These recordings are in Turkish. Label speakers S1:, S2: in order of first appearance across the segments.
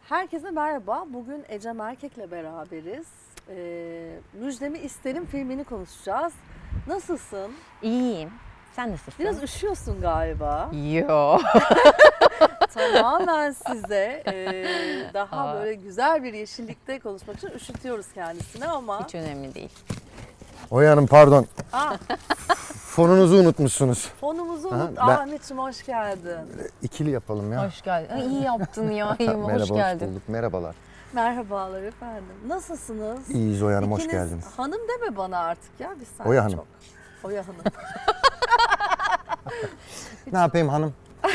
S1: Herkese merhaba. Bugün Ecem Erkek'le beraberiz. Müjdemi İsterim filmini konuşacağız. Nasılsın?
S2: İyiyim. Sen nasılsın?
S1: Biraz üşüyorsun galiba.
S2: Yo.
S1: Tamamen size daha
S2: Aa.
S1: böyle güzel bir yeşillikte konuşmak için üşütüyoruz kendisini ama...
S2: Hiç önemli değil.
S3: Oya Hanım pardon.
S1: Aa,
S3: Fonunuzu unutmuşsunuz.
S1: fonumuzu
S3: Aha,
S1: unut.
S3: ben-
S1: Ahmetciğim hoş geldin.
S3: İkili yapalım ya.
S2: Hoş geldin. Ay, iyi yaptın ya. İyiyim.
S3: Merhaba,
S2: Hoş geldin.
S3: bulduk. Merhabalar.
S1: Merhabalar efendim. Nasılsınız?
S3: İyiyiz Oya Hanım, hoş
S1: İkiniz
S3: geldiniz.
S1: hanım deme bana artık ya. Biz seninle
S3: Oya Hanım.
S1: çok. Oya Hanım.
S3: Ne yapayım hanım?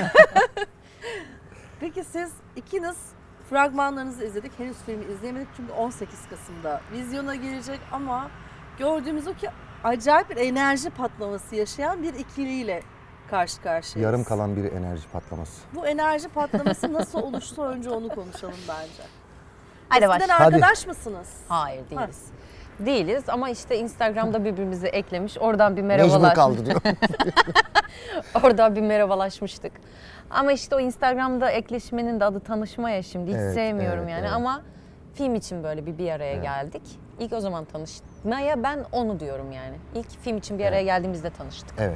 S1: Peki siz ikiniz fragmanlarınızı izledik. Henüz filmi izleyemedik çünkü 18 Kasım'da vizyona girecek ama gördüğümüz o ki acayip bir enerji patlaması yaşayan bir ikiliyle karşı karşıyayız.
S3: Yarım kalan bir enerji patlaması.
S1: Bu enerji patlaması nasıl oluştu önce onu konuşalım bence.
S2: Hadi
S1: Eskiden
S2: başla.
S1: arkadaş mısınız?
S2: Hayır değiliz. Değiliz ama işte Instagram'da birbirimizi eklemiş. Oradan bir merhabalaşmıştık.
S3: Mecbur kaldı diyor.
S2: Oradan bir merhabalaşmıştık. Ama işte o Instagram'da ekleşmenin de adı tanışma ya şimdi. Hiç
S3: Evet,
S2: sevmiyorum
S3: evet,
S2: yani
S3: evet.
S2: ama film için böyle bir araya geldik. İlk o zaman tanışmaya ben onu diyorum yani. İlk film için bir araya geldiğimizde tanıştık.
S3: Evet.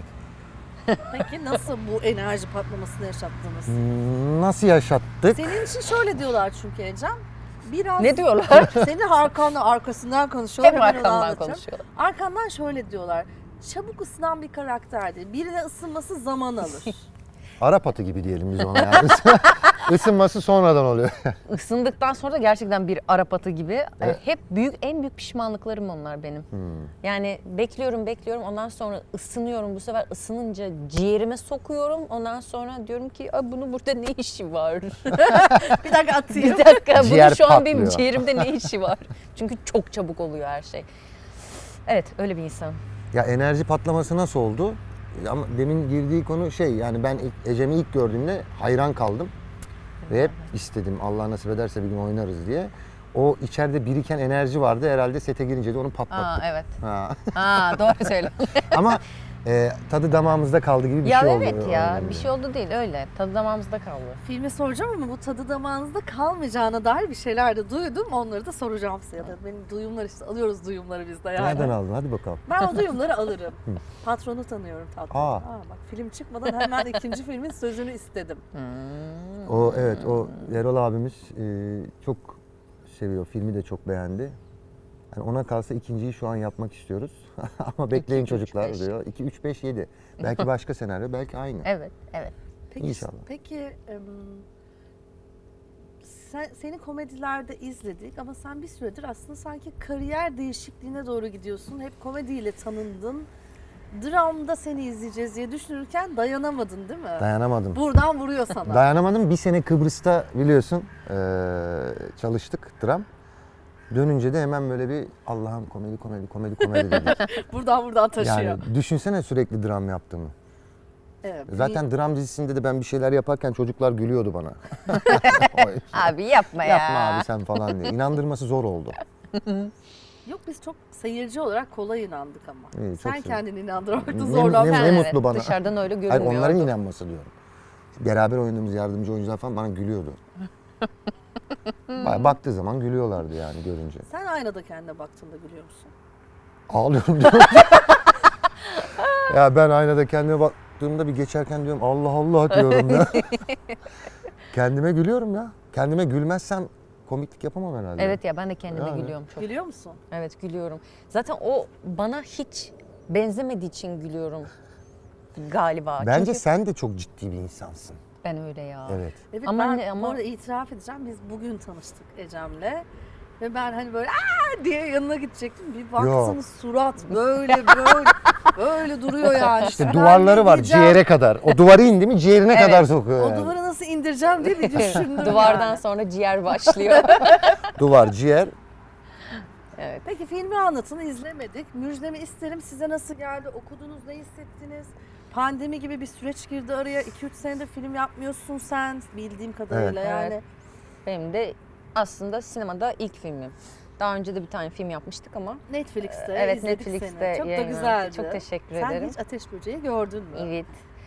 S1: Peki nasıl bu enerji patlamasını yaşattınız?
S3: Nasıl yaşattık?
S1: Senin için şöyle diyorlar çünkü Ecem. Biraz
S2: Ne diyorlar?
S1: senin arkasından konuşuyorlar.
S2: Hep
S1: hemen onu
S2: arkamdan
S1: anlatacağım.
S2: konuşuyorlar.
S1: Arkandan şöyle diyorlar. Çabuk ısınan bir karakterdir. Birine ısınması zaman alır.
S3: Arap atı gibi diyelim biz ona yani. Isınması sonradan oluyor.
S2: Isındıktan sonra da gerçekten bir Arap atı gibi. Hep en büyük pişmanlıklarım onlar benim. Yani bekliyorum ondan sonra ısınıyorum. Bu sefer ısınınca ciğerime sokuyorum. Ondan sonra diyorum ki bunun burada ne işi var?
S1: Bir dakika atayım.
S2: Bir dakika
S3: Ciğer
S2: bunun şu an benim
S3: patlıyor.
S2: ciğerimde ne işi var? Çünkü çok çabuk oluyor her şey. Evet öyle bir insan.
S3: Ya enerji patlaması nasıl oldu? Ama demin girdiği konu yani ben Ecem'i ilk gördüğümde hayran kaldım. Ve hep istedim Allah nasip ederse bir gün oynarız diye. O içeride biriken enerji vardı herhalde sete girince de onu patlattık.
S2: Evet.
S3: Ha.
S2: Doğru söyle.
S3: Ama tadı damağımızda kaldı gibi bir
S2: Ya
S3: şey oldu.
S2: evet ya
S3: Öyle.
S2: bir şey oldu değil öyle. Tadı damağımızda kaldı.
S1: Filmi soracağım ama bu tadı damağınızda kalmayacağına dair bir şeyler de duydum. Onları da soracağım size. Ya da benim duyumlar işte alıyoruz duyumları biz de yani.
S3: Nereden aldın? Hadi bakalım.
S1: Ben o duyumları alırım. Patronu tanıyorum tatlım.
S3: Aa.
S1: Bak film çıkmadan hemen ikinci filmin sözünü istedim.
S3: O Erol abimiz çok seviyor. Filmi de çok beğendi. Yani ona kalsa ikinciyi şu an yapmak istiyoruz. Ama bekleyin
S2: 2, 3,
S3: çocuklar
S2: 5.
S3: diyor. 2, 3, 5, 7. Belki başka senaryo, belki aynı.
S2: Evet.
S1: Peki,
S3: İnşallah.
S1: Peki seni komedilerde izledik ama sen bir süredir aslında sanki kariyer değişikliğine doğru gidiyorsun. Hep komediyle tanındın. Dramda seni izleyeceğiz diye düşünürken dayanamadın değil mi?
S3: Dayanamadım.
S1: Buradan vuruyor sana.
S3: Dayanamadım. Bir sene Kıbrıs'ta biliyorsun çalıştık dram. Dönünce de hemen böyle bir Allah'ım komedi dedik.
S1: buradan taşıyor.
S3: Yani düşünsene sürekli dram yaptığımı.
S1: Evet,
S3: Zaten dram dizisinde de ben bir şeyler yaparken çocuklar gülüyordu bana.
S2: Abi yapma ya.
S3: Yapma abi sen falan diye. İnandırması zor oldu.
S1: Yok biz çok seyirci olarak kolay inandık ama.
S3: İyi, çok
S1: Sen
S3: sevindim.
S1: kendini inandırmakta
S3: Ne-
S1: zorlandın.
S3: ne
S2: Evet,
S3: mutlu bana.
S2: Dışarıdan öyle
S3: Hayır
S2: görünmüyordu.
S3: onların inanması diyorum. Beraber oynadığımız yardımcı oyuncular falan bana gülüyordu. Baktığı zaman gülüyorlardı yani görünce.
S1: Sen aynada kendine baktığında gülüyor musun?
S3: Ağlıyorum diyorum. Ya ben aynada kendime baktığımda bir geçerken diyorum Allah Allah diyorum ya. Kendime gülüyorum ya. Kendime gülmezsem komiklik yapamam herhalde.
S2: Evet ya ben de kendime
S3: Yani.
S2: gülüyorum çok.
S1: Gülüyor musun?
S2: Evet gülüyorum. Zaten o bana hiç benzemediği için gülüyorum galiba.
S3: Bence
S2: Çünkü
S3: sen de çok ciddi bir insansın.
S2: ben öyle ya.
S3: Evet.
S1: Evet
S2: Ama
S1: ben
S2: ne- ama-
S1: bu arada itiraf edeceğim. Biz bugün tanıştık Ecem'le. Ve ben hani böyle aa diye yanına gidecektim. Bir baktınız surat böyle duruyor yani.
S3: İşte
S1: Ben
S3: duvarları var
S1: gideceğim,
S3: ciğere kadar. O duvarı indi mi ciğerine
S2: Evet.
S3: kadar sokuyor
S1: O
S3: yani.
S1: duvarı nasıl indireceğim diye bir düşündüm
S2: Duvardan
S1: yani.
S2: sonra ciğer başlıyor.
S3: Duvar, ciğer.
S1: Peki filmi anlatın izlemedik. Müjdemi isterim size nasıl geldi? Okudunuz ne hissettiniz? Pandemi gibi bir süreç girdi araya. 2-3 senedir film yapmıyorsun sen bildiğim kadarıyla
S2: Evet.
S1: yani.
S2: Evet. Benim de aslında sinemada ilk filmim. Daha önce de bir tane film yapmıştık ama.
S1: Netflix'te
S2: Evet
S1: izledik
S2: Netflix'te
S1: seni. Çok da
S2: yayınlandı.
S1: güzeldi.
S2: Çok teşekkür
S1: Sen
S2: ederim.
S1: hiç Ateş Böceği gördün mü?
S2: Evet.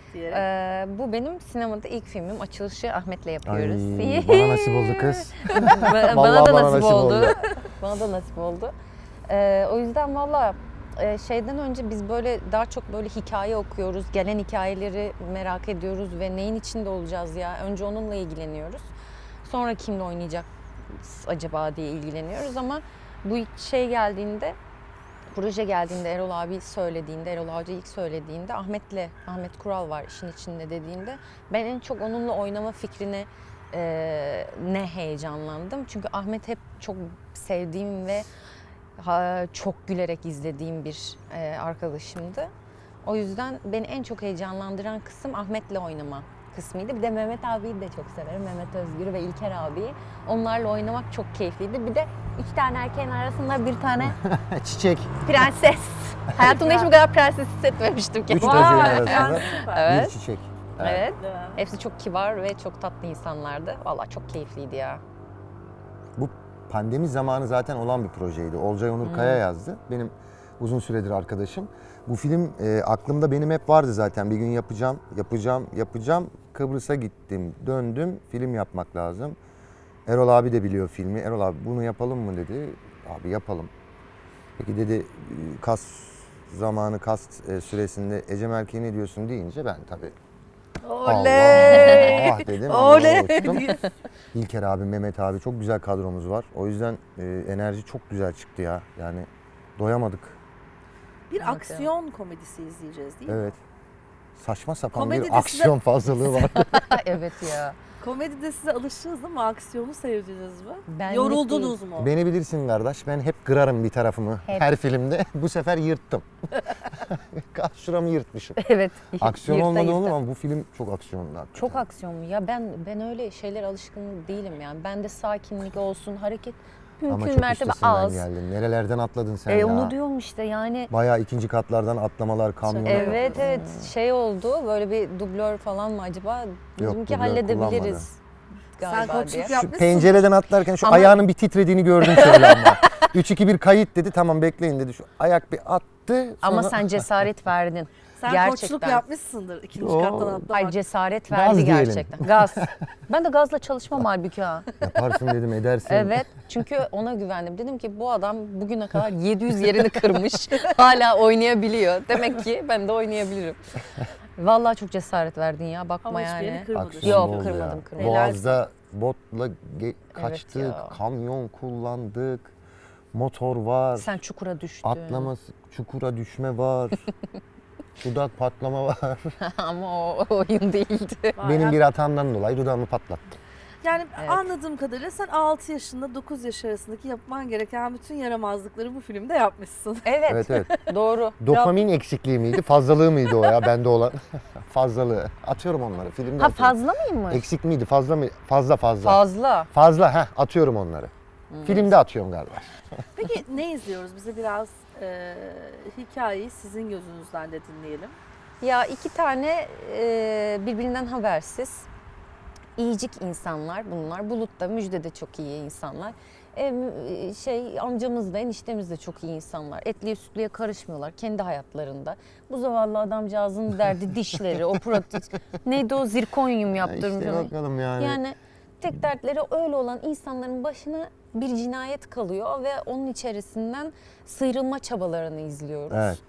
S1: diyerek.
S2: Bu benim sinemada ilk filmim. Açılışı Ahmet'le yapıyoruz.
S3: Ay, bana nasip oldu kız.
S2: Bana
S3: Vallahi
S2: da
S3: bana
S2: nasip
S3: nasip
S2: oldu.
S3: oldu.
S2: Bana da nasip oldu. O yüzden valla şeyden önce biz böyle daha çok böyle hikaye okuyoruz. Gelen hikayeleri merak ediyoruz ve neyin içinde olacağız ya. Önce onunla ilgileniyoruz. Sonra kimle oynayacak acaba diye ilgileniyoruz ama bu şey geldiğinde, proje geldiğinde, Erol abi söylediğinde, Erol Avcı ilk söylediğinde Ahmet Kural var işin içinde dediğinde ben en çok onunla oynama fikrine ne heyecanlandım. Çünkü Ahmet hep çok sevdiğim ve çok gülerek izlediğim bir arkadaşımdı. O yüzden beni en çok heyecanlandıran kısım Ahmet'le oynama kısmıydı. Bir de Mehmet abiyi de çok severim. Mehmet Özgür ve İlker abiyi. Onlarla oynamak çok keyifliydi. Bir de 3 tane erkeğin arasında bir tane
S3: Çiçek.
S2: prenses. Hayatımda hiç bu kadar prenses hissetmemiştim ki.
S3: 3 çocuğun arasında
S2: Evet.
S3: bir çiçek.
S2: Evet.
S1: Değil mi?
S2: Hepsi çok kibar ve çok tatlı insanlardı. Vallahi çok keyifliydi ya.
S3: Bu pandemi zamanı zaten olan bir projeydi. Olcay Onur Kaya yazdı. Benim uzun süredir arkadaşım. Bu film aklımda benim hep vardı zaten. Bir gün yapacağım. Kıbrıs'a gittim, döndüm. Film yapmak lazım. Erol abi de biliyor filmi. Erol abi bunu yapalım mı dedi. Abi yapalım. Peki dedi kas süresinde Ecem Erkeğe ne diyorsun deyince ben tabii
S1: Oley!
S3: Allah dedim.
S1: Oley!
S3: Uçtum. İlker abi, Mehmet abi çok güzel kadromuz var. O yüzden enerji çok güzel çıktı ya. Yani doyamadık.
S1: Bir
S2: Evet,
S1: aksiyon komedisi izleyeceğiz değil mi?
S3: Evet. Saçma sapan
S1: Komedide
S3: bir aksiyon fazlalığı var.
S2: Evet ya.
S1: Komedide size alıştınız ama aksiyonu sevdiniz mi?
S2: Ben
S1: Yoruldunuz mu?
S3: Beni bilirsin kardeş. Ben hep kırarım bir tarafımı
S2: Hep.
S3: her filmde. Bu sefer yırttım. Şuramı yırtmışım.
S2: Evet.
S3: Aksiyon
S2: Yırta
S3: olmadı
S2: yırta.
S3: olur ama bu film çok aksiyonlu. hakikaten.
S2: Çok aksiyonlu. Ya ben öyle şeyler alışkın değilim yani. Bende sakinlik olsun, hareket
S3: Ama
S2: mümkün
S3: çok
S2: mertebe
S3: üstesinden
S2: az.
S3: geldin. Nerelerden atladın sen ya?
S2: Onu diyorum işte yani.
S3: Bayağı ikinci katlardan atlamalar, kamyonlar.
S2: Evet şey oldu böyle bir dublör falan mı acaba? Dedim ki
S3: dublör
S2: halledebiliriz
S1: Sen
S2: galiba
S1: koçluk
S2: diye.
S3: Şu
S1: yapmışsın.
S3: pencereden atlarken şu
S2: Ama-
S3: ayağının bir titrediğini gördüm şöyle ama. 3-2-1 kayıt dedi. Tamam bekleyin dedi. Şu ayak bir attı.
S2: Ama
S3: sonra-
S2: sen cesaret verdin.
S1: Sen
S2: Gerçekten.
S1: koçluk yapmışsındır ikinci
S3: Yo.
S1: kattan atlamak.
S2: Ay cesaret
S3: Gaz
S2: verdi
S3: diyelim.
S2: gerçekten. Gaz. Ben de gazla çalışmam halbuki ha.
S3: Yaparsın dedim, edersin.
S2: Evet. Çünkü ona güvendim. Dedim ki bu adam bugüne kadar 700 yerini kırmış. Hala oynayabiliyor. Demek ki ben de oynayabilirim. Vallahi çok cesaret verdin ya. Bakma
S1: Ama hiçbir
S2: yani.
S1: yerini kırmadın.
S3: Aksiyon
S2: Yok,
S3: oldu
S2: kırmadım,
S3: ya.
S2: kırmadım.
S3: Boğaz'da botla kaçtık,
S2: ya.
S3: kamyon kullandık, motor var,
S2: Sen çukura düştün.
S3: atlaması, çukura düşme var, dudak patlama var.
S2: Ama o oyun değildi.
S1: Vay
S3: Benim
S1: ya.
S3: bir hatamdan dolayı dudağımı patlattım.
S1: Yani
S2: Evet.
S1: anladığım kadarıyla sen 6 yaşında 9 yaş arasındaki yapman gereken bütün yaramazlıkları bu filmde yapmışsın.
S2: Evet,
S3: Evet evet.
S2: doğru.
S3: Dopamin eksikliği miydi, fazlalığı mıydı o ya bende olan? Fazlalığı. Atıyorum onları filmde.
S2: Ha
S3: atıyorum.
S2: fazla mıymış?
S3: Eksik miydi, fazla mı? Fazla.
S2: Fazla.
S3: Fazla, atıyorum onları. Filmde atıyorum galiba.
S1: Peki ne izliyoruz? Bize biraz hikayeyi sizin gözünüzden de dinleyelim.
S2: Ya iki tane birbirinden habersiz, iyicik insanlar bunlar. Bulut da Müjde de çok iyi insanlar. Amcamız da eniştemiz de çok iyi insanlar. Etliye sütlüye karışmıyorlar kendi hayatlarında. Bu zavallı adamcağızın derdi dişleri, o protez. Neydi o zirkonyum yaptırmış.
S3: İşte
S2: ona.
S3: bakalım yani.
S2: Yani tek dertleri öyle olan insanların başına bir cinayet kalıyor ve onun içerisinden sıyrılma çabalarını izliyoruz.
S3: Evet.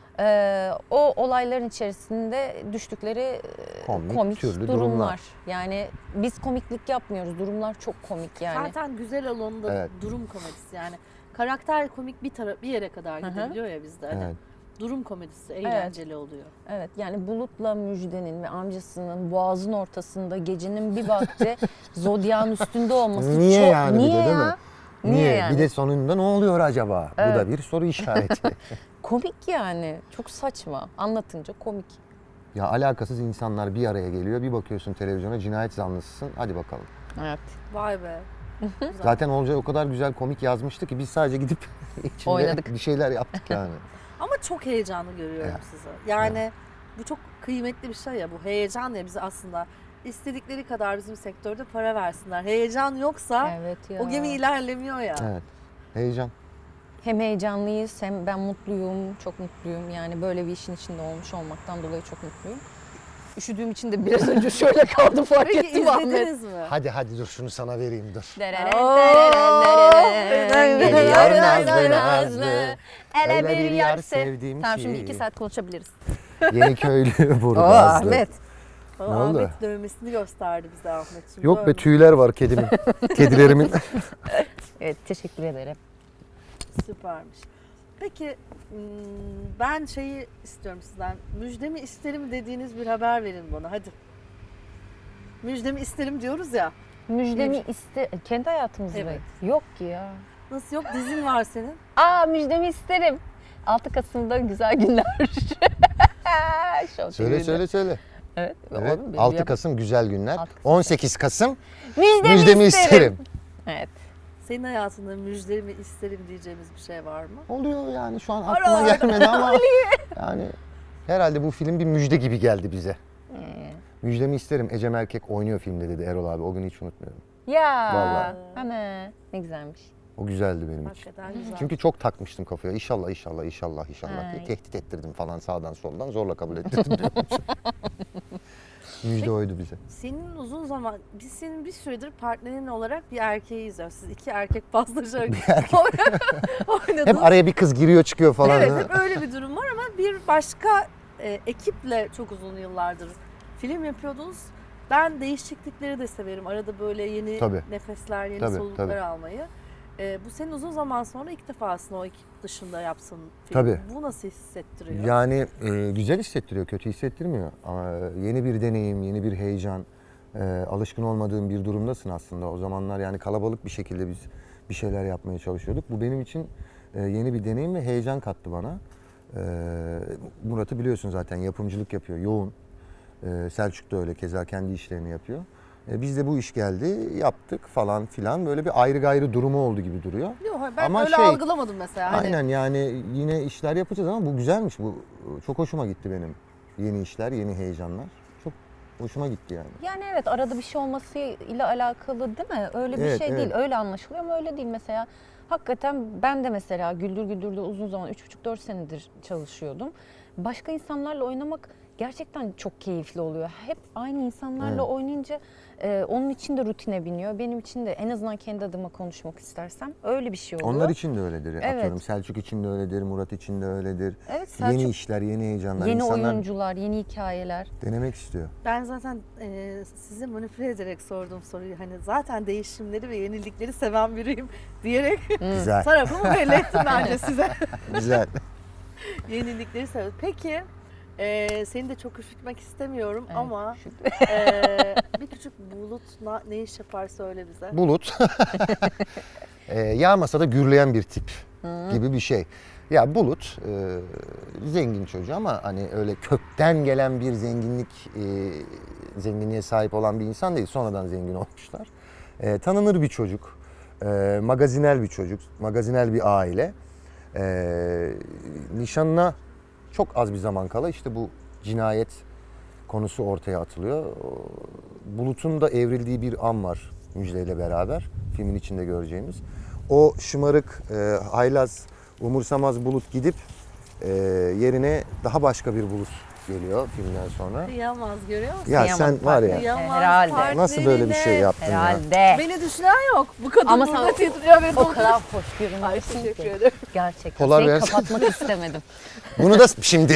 S2: O olayların içerisinde düştükleri komik
S3: türlü
S2: durumlar. Yani biz komiklik yapmıyoruz. Durumlar çok komik yani.
S1: Zaten güzel alanında
S3: Evet.
S1: durum komedisi yani. Karakter komik bir yere kadar
S2: Hı hı.
S1: gidebiliyor ya bizde. Hani
S3: Evet.
S1: durum komedisi eğlenceli oluyor.
S2: Evet yani Bulut'la Müjde'nin ve amcasının boğazın ortasında gecenin bir vakti Zodya'nın üstünde olması
S3: Niye
S2: çok...
S3: yani bir de,
S2: Niye
S3: değil
S2: ya?
S3: mi?
S2: Niye yani?
S3: Bir de sonunda ne oluyor acaba? Bu
S2: Evet.
S3: da bir soru işareti.
S2: Komik yani. Çok saçma. Anlatınca komik.
S3: Ya alakasız insanlar bir araya geliyor. Bir bakıyorsun televizyona cinayet zanlısısın. Hadi bakalım.
S2: Evet.
S1: Vay be. Güzel.
S3: Zaten Olcay o kadar güzel komik yazmıştı ki biz sadece gidip içinde
S2: Oynadık.
S3: bir şeyler yaptık yani.
S1: Ama çok heyecanlı görüyorum
S3: Evet.
S1: sizi. Yani bu çok kıymetli bir şey ya, bu heyecan ya, bizi aslında istedikleri kadar bizim sektörde para versinler. Heyecan yoksa
S2: Evet ya.
S1: o gemi ilerlemiyor ya.
S3: Evet. Heyecan.
S2: Hem heyecanlıyız hem ben mutluyum, çok mutluyum. Yani böyle bir işin içinde olmuş olmaktan dolayı çok mutluyum. Üşüdüğüm için de biraz önce şöyle kaldım fark
S1: Peki
S2: ettim Ahmet.
S1: izlediniz mi?
S3: Hadi dur şunu sana vereyim dur.
S2: Geliyor
S3: nazlı
S2: nazlı. Ele bir yar
S3: sevdim
S2: Tamam
S3: ki.
S2: şimdi 2 saat konuşabiliriz.
S3: Yeniköylü
S2: Oo
S3: Burgazlı.
S2: Ahmet.
S1: O
S3: Ne oldu?
S1: Ahmet dövmesini gösterdi bize Ahmetciğim.
S3: Yok be
S1: Dövmüş.
S3: tüyler var kedimin. Kedilerimin.
S2: Evet teşekkür ederim.
S1: Süpermiş. Peki ben şeyi istiyorum sizden. Müjdemi isterim dediğiniz bir haber verin bana hadi. Müjdemi isterim diyoruz ya.
S2: Müjdemi kendi hayatımızda.
S1: Evet.
S2: Yok ki ya.
S1: Nasıl yok? Dizin var senin.
S2: Müjdemi isterim. 6 Kasım'da güzel günler. Show TV'de.
S3: Söyle.
S2: Evet.
S3: Evet.
S2: oğlum,
S3: 6
S2: yap-
S3: Kasım güzel günler.
S2: 6 Kasım.
S3: 18 Kasım
S2: Müjdemi
S3: isterim.
S2: Evet.
S1: Senin hayatında müjdemi isterim diyeceğimiz bir şey var mı?
S3: Oluyor yani şu an
S1: Ara
S3: aklıma
S1: ara.
S3: gelmedi ama yani herhalde bu film bir müjde gibi geldi bize. Müjdemi isterim. Ecem Erkek oynuyor filmde dedi Erol abi. O günü hiç unutmuyorum.
S2: Ya.
S3: Vallahi.
S2: Ana ne güzelmiş.
S3: O güzeldi benim için.
S1: Hakikaten güzel.
S3: Çünkü çok takmıştım kafaya. İnşallah diye
S2: Ay.
S3: tehdit ettirdim falan sağdan soldan zorla kabul ettirdim diyormuş. Müjde oydu bize.
S1: Senin uzun zaman, biz senin bir süredir partnerin olarak bir erkeği izliyoruz. Siz iki erkek paslaşarak oynadınız.
S3: Hep araya bir kız giriyor çıkıyor falan.
S1: Evet, hep öyle bir durum var ama bir başka ekiple çok uzun yıllardır film yapıyordunuz. Ben değişiklikleri de severim. Arada böyle yeni
S3: Tabii.
S1: nefesler, yeni
S3: Tabii,
S1: soluklar
S3: tabii.
S1: almayı. Bu senin uzun zaman sonra ilk defa aslında o ekip dışında yapsın film.
S3: Tabii.
S1: Bu nasıl hissettiriyor?
S3: Yani güzel hissettiriyor, kötü hissettirmiyor. Ama yeni bir deneyim, yeni bir heyecan, alışkın olmadığın bir durumdasın aslında. O zamanlar yani kalabalık bir şekilde biz bir şeyler yapmaya çalışıyorduk. Bu benim için yeni bir deneyim ve heyecan kattı bana. Murat'ı biliyorsun zaten yapımcılık yapıyor, yoğun. Selçuk da öyle keza kendi işlerini yapıyor. Biz de bu iş geldi, yaptık falan filan. Böyle bir ayrı gayrı durumu oldu gibi duruyor.
S1: Yok, ben
S3: Ama
S1: öyle algılamadım mesela. Hani
S3: Aynen yani yine işler yapacağız ama bu güzelmiş. Bu çok hoşuma gitti benim. Yeni işler, yeni heyecanlar. Çok hoşuma gitti yani.
S2: Yani evet arada bir şey olmasıyla alakalı değil mi? Öyle bir
S3: Evet,
S2: şey
S3: evet.
S2: değil. Öyle anlaşılıyor ama öyle değil mesela. Hakikaten ben de mesela Güldür Güldür'de uzun zaman 3,5-4 senedir çalışıyordum. Başka insanlarla oynamak gerçekten çok keyifli oluyor. Hep aynı insanlarla
S3: Evet.
S2: oynayınca onun için de rutine biniyor. Benim için de en azından kendi adıma konuşmak istersem öyle bir şey oluyor.
S3: Onlar için de öyledir.
S2: Evet.
S3: Atıyorum Selçuk için de öyledir, Murat için de öyledir.
S2: Evet, Selçuk-
S3: Yeni işler, yeni heyecanlar.
S2: Yeni
S3: İnsanlar
S2: oyuncular, yeni hikayeler.
S3: denemek istiyor.
S1: ben zaten sizi manipüle ederek sorduğum soruyu hani zaten değişimleri ve yenilikleri seven biriyim diyerek
S3: Güzel,
S1: tarafımı belli ettim bence size.
S3: güzel.
S1: Yenilikleri seviyorum. Peki seni de çok üşütmek istemiyorum
S2: Evet,
S1: ama bir küçük bulut ne iş yapar söyle bize.
S3: Bulut. Yağmasa da gürleyen bir tip gibi bir şey. Ya Bulut zengin çocuğu ama hani öyle kökten gelen bir zenginliğe sahip olan bir insan değil. Sonradan zengin olmuşlar. Tanınır bir çocuk. Magazinel bir çocuk. Magazinel bir aile. Nişanına çok az bir zaman kala işte bu cinayet konusu ortaya atılıyor. Bulut'un da evrildiği bir an var Müjde ile beraber. Filmin içinde göreceğimiz. O şımarık, haylaz, umursamaz Bulut gidip yerine daha başka bir Bulut geliyor filmden sonra.
S1: Kıyamaz görüyor musun?
S3: Ya
S2: Kıyamaz
S3: sen var ya
S1: Kıyamaz
S2: herhalde.
S3: nasıl böyle bir şey
S1: partnerine.
S3: yaptın ya?
S2: Herhalde.
S1: Beni düşünen yok. Bu kadın
S2: Ama
S1: burada
S2: sen-
S1: titriyor ve
S2: O kadar hoş
S1: Ay
S2: görünüyorsun
S1: teşekkür
S2: ki.
S1: ederim.
S2: Gerçekten.
S3: Polar
S2: Seni
S3: versin.
S2: kapatmak istemedim.
S3: Bunu da şimdi.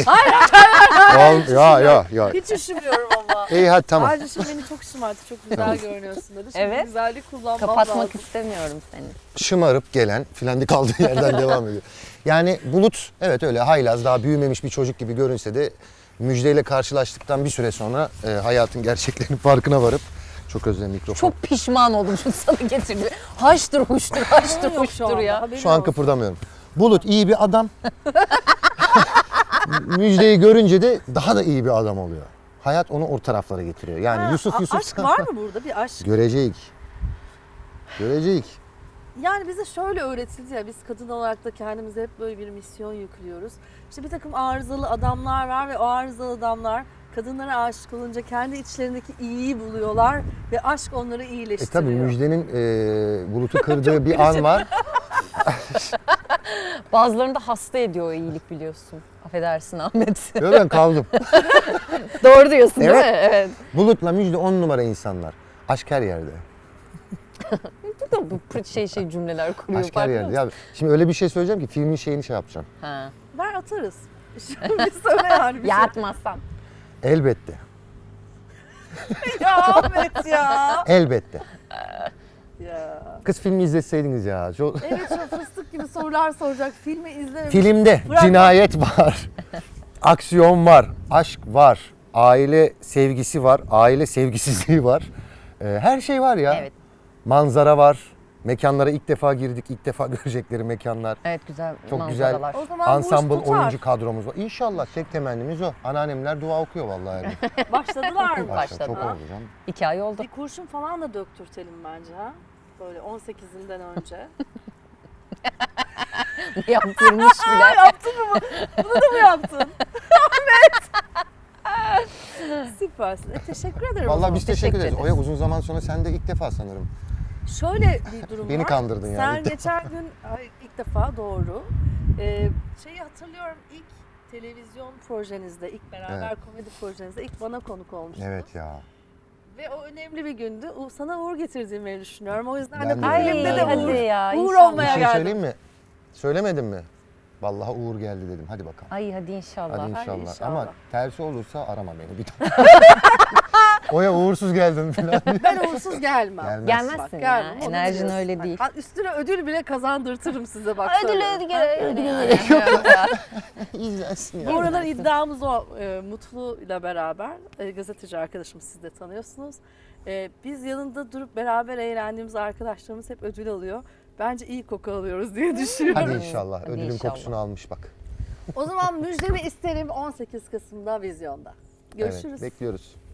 S3: Ya.
S1: Hiç üşümüyorum ama.
S3: İyi hadi tamam.
S1: Ayrıca şimdi beni çok şımarttı. Çok güzel görünüyorsun dedi. Şimdi
S2: Evet.
S1: güzellik kullanmam
S2: Kapatmak
S1: lazım.
S2: istemiyorum seni.
S3: Şımarıp gelen filan kaldığı yerden devam ediyor. Yani Bulut evet öyle haylaz daha büyümemiş bir çocuk gibi görünse de müjdeyle karşılaştıktan bir süre sonra hayatın gerçeklerinin farkına varıp çok özledim mikrofon.
S2: Çok pişman oldum şu sana getirdi. Haştır huştur, haştır
S1: Haberin yok şu
S2: huştur
S1: anda,
S2: ya.
S1: haberin
S3: Şu an
S1: olsun.
S3: kıpırdamıyorum. Bulut iyi bir adam. Müjdeyi görünce de daha da iyi bir adam oluyor. Hayat onu o taraflara getiriyor. Yani
S1: Ha,
S3: Yusuf
S1: aşk var mı burada bir aşk?
S3: Görecek.
S1: Yani bize şöyle öğretildi ya biz kadın olarak da kendimize hep böyle bir misyon yüklüyoruz. İşte bir takım arızalı adamlar var ve o arızalı adamlar kadınlara aşık olunca kendi içlerindeki iyiyi buluyorlar ve aşk onları iyileştiriyor.
S3: Tabii Müjde'nin Bulut'u kırdığı bir an var.
S2: Bazılarını da hasta ediyor o iyilik biliyorsun. Affedersin Ahmet.
S3: Yo, ben kaldım.
S2: Doğru diyorsun değil
S3: Evet.
S2: mi? Evet.
S3: Bulut'la Müjde 10 numara insanlar. Aşk her yerde.
S2: Bu cümleler kuruyor.
S3: Aşk her
S2: farkında
S3: yerde.
S2: mısın?
S3: Ya, şimdi öyle bir şey söyleyeceğim ki filmin şeyini şey yapacağım.
S2: Ha.
S1: Ver atarız. Bir söyle yani bir
S2: Ya
S1: şey.
S2: atmazsam.
S3: Elbette.
S1: Ya Ahmet ya.
S3: Elbette.
S1: Ya.
S3: Kız filmi izleseydiniz ya. Çok...
S1: Evet şu fıstık gibi sorular soracak. Filmi izlememiş.
S3: Filmde
S1: Bırak.
S3: cinayet var. Aksiyon var. Aşk var. Aile sevgisi var. Aile sevgisizliği var. Her şey var ya.
S2: Evet.
S3: Manzara var. Mekanlara ilk defa girdik. İlk defa görecekleri mekanlar.
S2: Evet güzel
S3: Çok güzel.
S2: manzaralar.
S1: O zaman bu iş
S3: Ensemble
S1: tutar.
S3: oyuncu kadromuz var. İnşallah tek temennimiz o. Anneannemler dua okuyor vallahi. Yani.
S1: Başladılar mı?
S2: Başladı.
S3: Çok oldu canım.
S2: 2 ay oldu.
S1: Bir kurşun falan da döktürtelim bence ha. Böyle 18'inden önce.
S2: Yaptırmış bile.
S1: Yaptın mı? Bunu da mı yaptın? Ahmet. Süpersin. Teşekkür ederim. o
S3: Vallahi
S1: zaman.
S3: biz teşekkür
S2: Teşekkür
S3: ederiz. Oya uzun zaman sonra sen de ilk defa sanırım.
S1: Şöyle bir durum
S3: Beni
S1: var.
S3: kandırdın yani.
S1: Sen geçen gün ilk defa doğru. Şeyi hatırlıyorum ilk televizyon projenizde, ilk beraber komedi projenizde ilk bana konuk olmuştunuz.
S3: Evet ya.
S1: Ve o önemli bir gündü. Sana uğur getirdiğimi düşünüyorum. O yüzden
S3: Ben
S1: de
S3: de
S1: bu
S3: öyle
S1: filmde de
S3: düşünüyorum.
S1: uğur,
S2: hadi ya,
S1: uğur
S2: inşallah.
S3: Bir
S1: olmaya
S3: şey
S1: geldim.
S3: söyleyeyim mi? Söylemedim mi? Vallahi Uğur geldi dedim. Hadi bakalım.
S2: Ay hadi inşallah.
S3: Hadi inşallah.
S1: inşallah.
S3: Ama tersi olursa arama beni bir daha. Oya uğursuz geldim falan.
S1: Ben uğursuz gelmem.
S3: Gelmezsin.
S2: Gelmezsin ya.
S1: gelmem, onu
S2: Enerjin
S1: biliyorsun.
S2: öyle değil.
S1: Ha, üstüne ödül bile kazandırtırım size bak.
S2: Ödül
S1: söylüyorum.
S3: İzlensin
S1: Bu aralar iddiamız o. Mutlu ile beraber gazeteci arkadaşım siz de tanıyorsunuz. Biz yanında durup beraber eğlendiğimiz arkadaşlarımız hep ödül alıyor. Bence iyi koku alıyoruz diye düşünüyorum.
S3: Hadi inşallah.
S2: Hadi
S3: Ödülün
S2: inşallah.
S3: kokusunu almış bak.
S1: O zaman müjdemi isterim 18 Kasım'da vizyonda. Görüşürüz.
S3: Evet, bekliyoruz.